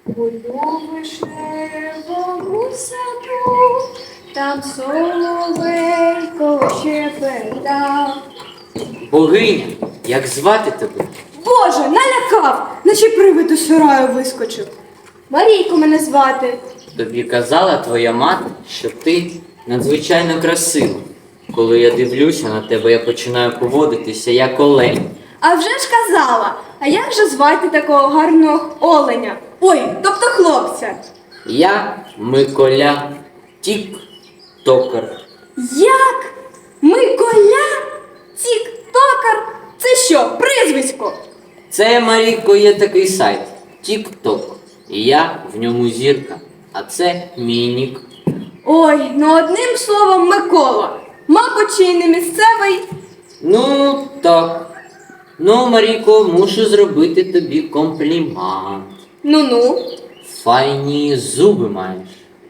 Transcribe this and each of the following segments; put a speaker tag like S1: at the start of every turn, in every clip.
S1: У вишневому саду, там соловейко щебетав.
S2: Богиня, як звати тебе?
S1: Боже, налякав, наче привид у сараю вискочив. Марійко мене звати.
S2: Тобі казала твоя мати, що ти надзвичайно красива. Коли я дивлюся на тебе, я починаю поводитися як олень.
S1: А вже ж казала, а як же звати такого гарного оленя? Ой, тобто хлопця.
S2: Я Миколя Тік-Токер.
S1: Як? Миколя? Тік-токер? Це що, прізвисько?
S2: Це, Марійко, є такий сайт Тік-Ток. І я в ньому зірка. А це мій нік.
S1: Ой, ну одним словом Микола. Мабуть, чи й не місцевий.
S2: Ну, так. Ну, Марійко, мушу зробити тобі комплімент.
S1: Ну-ну.
S2: Файні зуби маєш.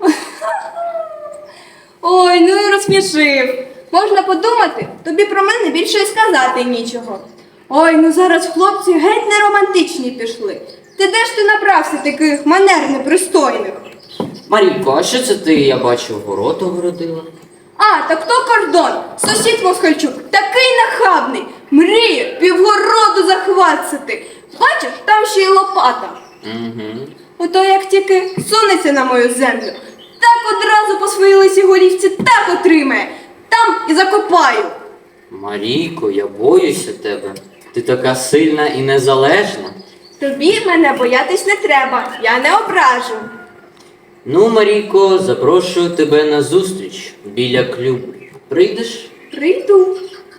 S1: Ой, ну і розсмішив. Можна подумати, тобі про мене більше й сказати нічого. Ой, ну зараз хлопці геть не романтичні пішли. Ти де ж ти набрався таких манер непристойних?
S2: Марійко, а що це ти, я бачу, город огородила?
S1: А, так то кордон, сусід Москальчук, такий нахабний, мріє півгороду захватити. Бачиш, там ще й лопата.
S2: Угу.
S1: Ото як тільки сунеться на мою землю, так одразу по своїй лисій голівці так отримає, там і закопаю.
S2: Марійко, я боюся тебе. Ти така сильна і незалежна.
S1: Тобі мене боятись не треба, я не ображу.
S2: Ну, Марійко, запрошую тебе на зустріч біля клюбу. Прийдеш?
S1: Прийду.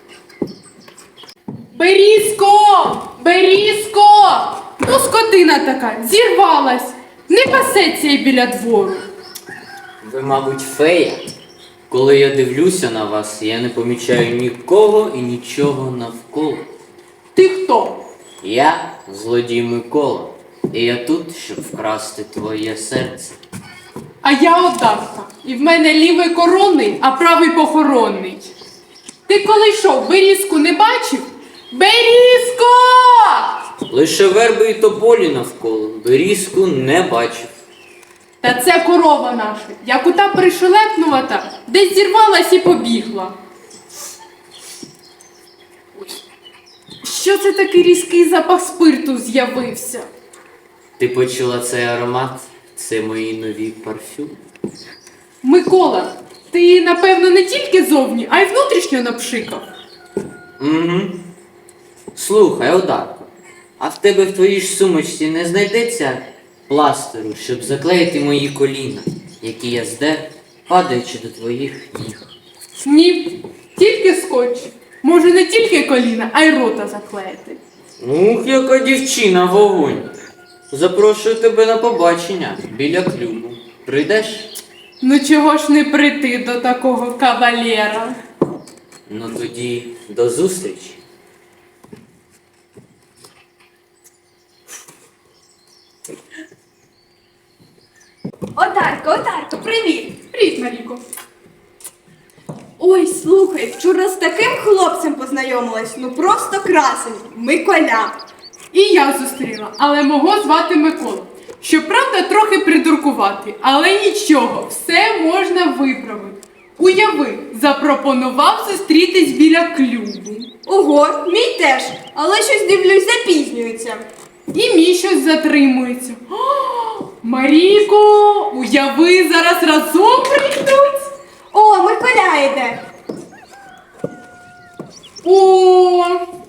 S3: Берізко! Берізко! Ну, скотина така, зірвалась. Не пасеться й біля двору.
S2: Ви, мабуть, фея. Коли я дивлюся на вас, я не помічаю нікого і нічого навколо.
S3: Ти хто?
S2: Я злодій Микола, і я тут, щоб вкрасти твоє серце.
S3: А я Одарка. І в мене лівий коронний, а правий похоронний. Ти коли йшов, берізку не бачив? Берізко!
S2: Лише верби і тополі навколо, берізку не бачив.
S3: Та це корова наша, як ота пришелепнувата, десь зірвалась і побігла. Ой, що це такий різкий запах спирту з'явився?
S2: Ти почула цей аромат? Це мої нові парфюми.
S3: Микола, ти, напевно, не тільки зовні, а й внутрішньо напшикав.
S2: Угу. Слухай, Одарко, а в тебе в твоїй ж сумочці не знайдеться пластеру, щоб заклеїти мої коліна, які я здер, падаючи до твоїх ніг?
S3: Ні, тільки скотч. Може не тільки коліна, а й рота заклеїти.
S2: Ух, яка дівчина, вогонь! Запрошую тебе на побачення біля клюбу. Прийдеш?
S3: Ну чого ж не прийти до такого кавалера?
S2: Ну тоді до зустрічі.
S1: Одарко, привіт.
S3: Привіт, Маріко.
S1: Ой, слухай, вчора з таким хлопцем познайомилась, ну просто красень, Миколя.
S3: І я зустріла, але мого звати Микола. Щоправда, трохи придуркувати, але нічого, все можна виправити. Уяви, запропонував зустрітись біля клубу.
S1: Ого, мій теж, але щось дивлюсь, запізнюється.
S3: І мій щось затримується. О, Маріко, уяви, зараз разом прийдуть.
S1: О, Миколя йде.
S3: О,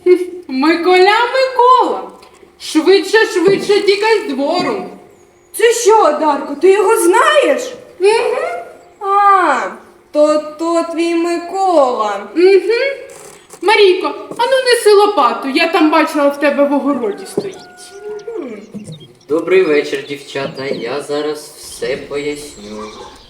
S3: Микола. Швидше тікай з двору.
S1: Це що, Одарко, ти його знаєш? Угу. А, то твій Микола.
S3: Угу. Марійко, ану неси лопату, я там бачила, в тебе в огороді стоїть.
S2: Добрий вечір, дівчата. Я зараз все поясню.